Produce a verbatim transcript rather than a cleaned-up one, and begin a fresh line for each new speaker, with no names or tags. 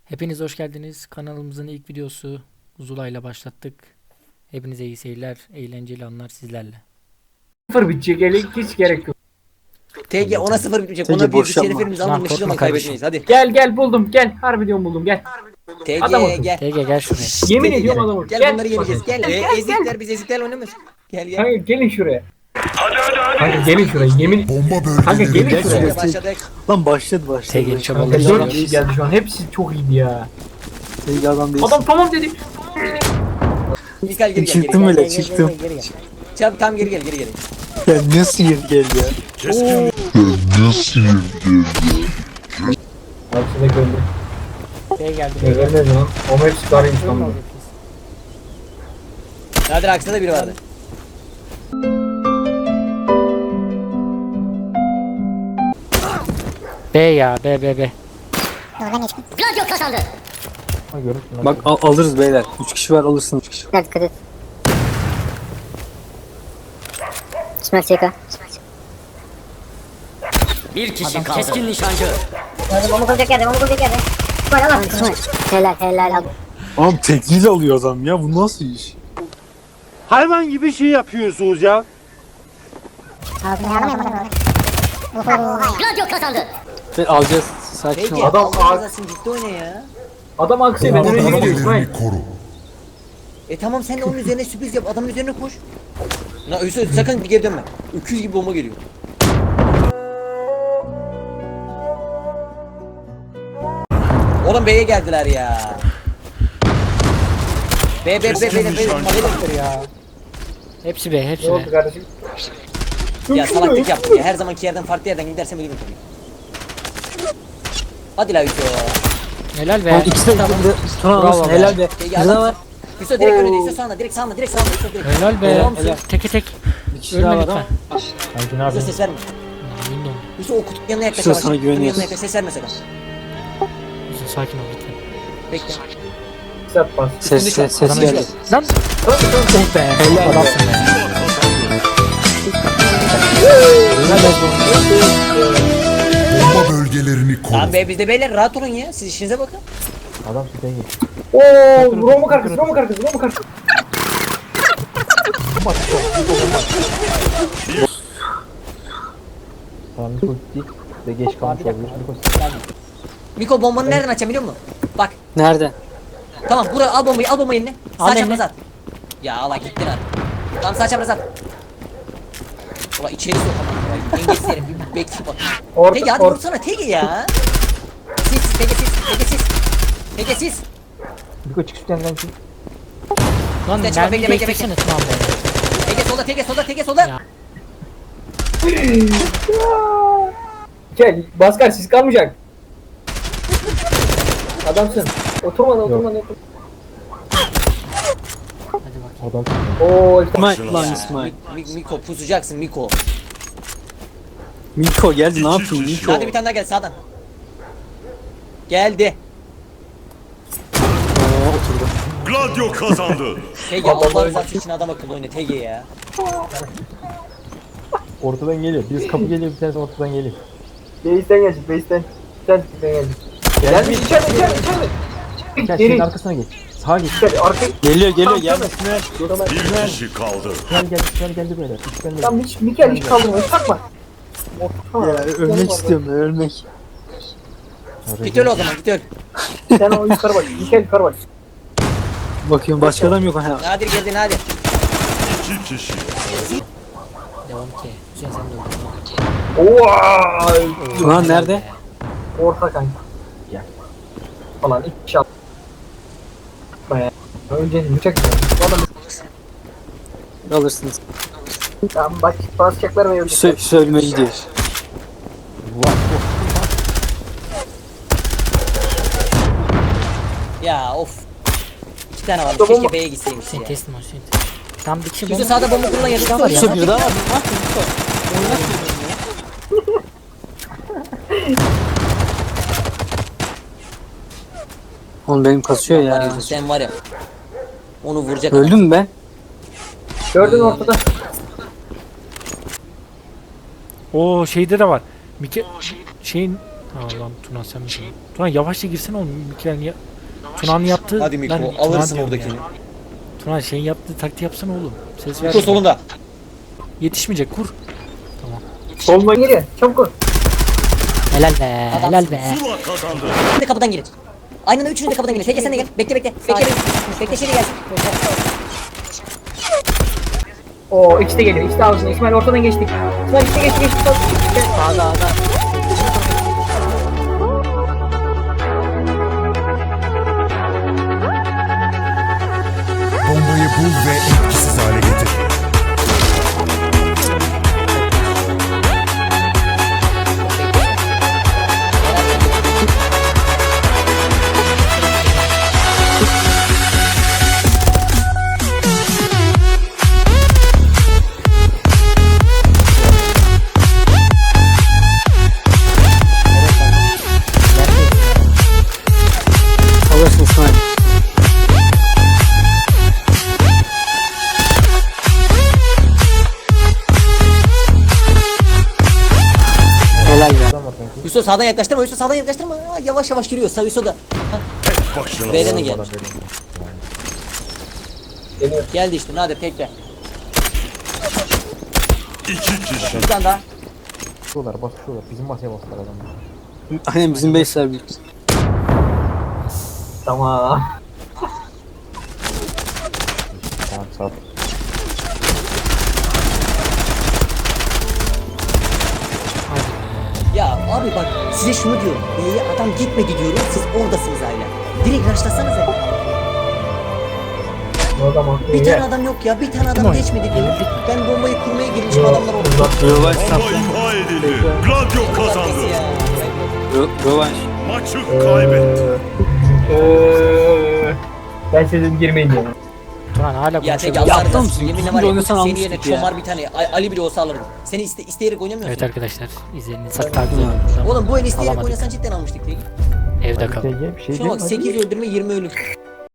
Hepiniz hoş geldiniz. Kanalımızın ilk videosu Zula'yla başlattık. Hepinize iyi seyirler, eğlenceli anlar sizlerle.
Sıfır bitecek ele hiç gerek yok.
T G ona sıfır bitmeyecek.
T G
Ona bir
boş
düşeni
yapma.
filmimizi
Lan
almamış
korkma
zaman
kardeşim.
kaybetmeyiz. Hadi.
Gel gel buldum gel. Harbi diyorum buldum gel. Adam
T G
akıllı.
gel.
T G gel şuraya.
Yemin
T G
ediyorum
gel.
adam akıllı.
Gel
Gel.
bunları yeneceğiz. Gel.
Gel,
Ee,
gel,
ezikler biz ezikler oynamıyoruz. Gel gel.
Kanka gelin şuraya. Kanka gelin şuraya yemin.
Bomba
Kanka gelin
bölgeleri
şuraya.
Hadi başladık.
Lan başladı başladı.
T G
Kanka
çabaları
dört kişi geldi şu an. Hepsi çok iyiydi ya.
T G adam değil.
Adam tamam dedi.
Mikael geri gel.
Çıktım
geri,
bile,
gel, gel,
çıktım.
Gel, gel, gel, gel. Çabuk tam geri gel geri gel.
Ya nasıl geri geldi ya?
Hepsi de gördüm.
T G geldi.
Ne gelmedi lan. Ama hepsi karıymış lan.
Nadir aksine de biri vardı.
B ya B B B.
Gladio kazandı.
Ha görürsün lan.
Bak al- alırız beyler. üç kişi var alırsın üç kişi.
Biraz dikkat et. Smack çeka.
Bir kişi kaldı. Keskin nişancı.
Hadi bomba kuracak yerde, bomba kuracak yerde. Böyle Allah. Helal helal al.
Oğlum tekniğiyle alıyor adam ya. Bu nasıl iş?
Hayvan gibi şey yapıyorsunuz ya.
Ağzını yağlamayalım. Gladio kazandı.
Ve alacağız. Sakin
T G
ol.
Adam-
Allah razı olsun ciddi oyna ya.
Adam aksaya ben
Bomba
önüne gidiyorum İsmail.
bölgelerini koru.
E tamam sen de onun üzerine sürpriz yap. Adamın üzerine koş. Na Hüsnü sakın bir geri dönme. Öküz gibi bomba geliyor. Oğlum B'ye geldiler ya. B B B B B B ya.
Hepsi B, hepsi
Ne oldu
B.
kardeşim?
Ya salaklık yaptı ya. Her zamanki yerden farklı yerden gidersem ölürüm tabii. Hadi la Hüsnü.
Helal be.
Oğlum ikisi de
Tamam.
Turan
Bravo
alırsın
be.
helal be.
T G
Bir de
adam.
var.
Hüsnü direkt önünde. Hüsnü sağında. Direkt sağında. Direkt sağında. Hüsnü direkt.
Helal be.
Tamam, helal.
Teke tek.
Bir kişi daha
Ölme
var ama.
lütfen.
Sanki ne
Hüsnü
yapıyorsun?
ses verme.
Emin ol.
Hüsnü o kutunun yanına yaklaş.
Hüsnü,
yavaş.
sana
Kutunun
güveniyoruz.
yanına yaklaş. Ses verme sakın.
Hüsnü, sakin ol lütfen.
Bekle.
Sert bas.
Ses ses ses
Adamı
geldi.
düşür.
Lan.
Oh be helal be.
Adamsın be. Helal be.
Bomba bölgelerini koru.
Tamam be biz de beyler rahat olun ya. Siz işinize bakın.
Adam süten gel. Ooo Roma karkası Roma karkası Roma karkası. Tamam Miko gitti ve geç kalmış olabilir.
Miko bombanı nereden açacağım biliyor musun? Bak.
Nerede?
Tamam buraya al bombayı al bombayı eline.
Al
Sağ
eline.
çapraz at. Ya Allah gittin abi. Tamam sağ çapraz at. Ulan içeri sokamam. Dengesiz herif bir bekle bak.
Orta
Tege hadi
orta.
vursana Tege ya. Siz Tege siz Tege siz. Tege siz.
Miko çık üstten lan çık.
Lan
Bekle,
mermi
bekle, bekle,
beklesene tamam be.
Tege solda Tege solda Tege solda.
Ya.
Gel Baskar siz kalmayacak. Adamsın. Oturma lan oturma lan. oturma.
Hadi bak.
Oo işte.
İsmail lan İsmail.
Mi- Miko pusacaksın Miko.
Miko geldi ne yapayım Miko?
Hadi bir tane daha gel sağdan. Geldi.
Oo, oturdu.
Gladio kazandı.
Tege Allah rızası için adam akıllı oyna Tege ya.
Ortadan geliyor. Birisi kapı geliyor, bir tanesi ortadan geliyor.
Base'den gelecek base'den. Sen tipten gelecek. Gel bir içeride içeride içeride.
Gel
Geri.
şeyin arkasına geç. Sağa geç.
İçeride arka.
Geliyor geliyor
Tamam,
geldi.
tamam.
Bir kişi kaldı.
Gel gel gel geldi böyle. Üstten gel.
Tam hiç Mikel hiç kaldırma hiç takma.
Ya ölmek istiyorum ben ölmek.
Git öl o zaman git öl.
Sen o yukarı bak. Mikel yukarı bak.
Bakıyorum başka adam yok ha.
Nadir geldin hadi.
İki kişi.
Devam ki. Hüseyin sen de öldün.
Vay.
Turan nerede?
Orta kanka. Gel. Falan iki şat. Baya. Önce bıçak. Adam
Alırsınız.
tamam bak basacaklar ve ölecekler.
Sö söyleme gidiyor.
Ya of. İki tane var.
Tamam.
Keşke B'ye gitseymiş
Hüseyin
ya.
teslim ol Hüseyin. Tam bir kişi
Yüzü
bomba.
sağda bomba kurulan yarısı var ya.
İşte bir daha var. Oğlum benim kasıyor
Var
ya.
Yüzü sen var ya. Onu vuracak.
Öldüm mü ben?
Gördün ortada.
Oo şeyde de var. Mike şeyin Allah'ım Tuna sen misin? Tuna yavaşça girsene oğlum. Mikren ya. Tuna'nın yaptığı...
Hadi Miko
Lan, Tuna
alırsın
diyorum
oradakini.
ya. Tuna şeyin yaptığı taktiği yapsana oğlum. Ses ver.
Miko solunda.
Yetişmeyecek kur.
Soluma giriyor. Çabuk ol.
Helal be. Helal be.
Zula kazandı.
Üçünü de kapıdan girin. Aynı anda üçünü de kapıdan girin. Peki sen de gel. Bekle bekle. Bekle. Bekle şimdi gelsin.
Oo ikisi de geliyor. İkisi de ağzına. İsmail ortadan geçtik. İsmail işte geçti geçti. Sağda sağda.
Bombayı bul ve etkisiz hale getir.
Alırsın İsmail. Helal ya.
Adam var sanki.
Yusuf sağdan yaklaştırma. Yusuf sağdan yaklaştırma. Aa, yavaş yavaş giriyor. Sağ Yusuf da.
Başına.
B'den de gel.
Bana verin.
Geldi işte. Nadir tekrar.
İki kişi.
Bir tane daha.
Basıyorlar basıyorlar. Bizim masaya bastılar adamlar.
Aynen bizim base'ler büyük.
Tamam.
Tamam sağ ol.
Ya abi bak size şunu diyorum. B'ye adam gitmedi diyorum. Siz oradasınız hala. Direkt rushlasanıza.
O zaman.
Bir tane adam yok ya. Bir tane adam geçmedi diyorum. Ben bombayı kurmaya girmişim adamlar orada.
Rövanş
Bomba
saptı.
imha edildi. Gladio kazandı.
Ya.
Rö- Rövanş.
Maçı kaybetti.
Eee, ben sizin girmeyin diyorum.
Tuna hala
Ya tek
konuşabiliyor.
Allah
Yaptın
razı
mısın?
olsun. Yeminle
İkinci
var ya
oynasan
senin yerine
almıştık ya.
çomar bir tane. A- Ali bile olsa alırdım. Seni iste isteyerek oynamıyorsun.
Evet arkadaşlar. İzleyeniniz sakın takip edin.
Oğlum bu el isteyerek
Alamadık.
oynasan cidden almıştık değil.
Evde kal.
T G bir şey
Şuna bak
değil mi?
sekiz öldürme yirmi ölüm.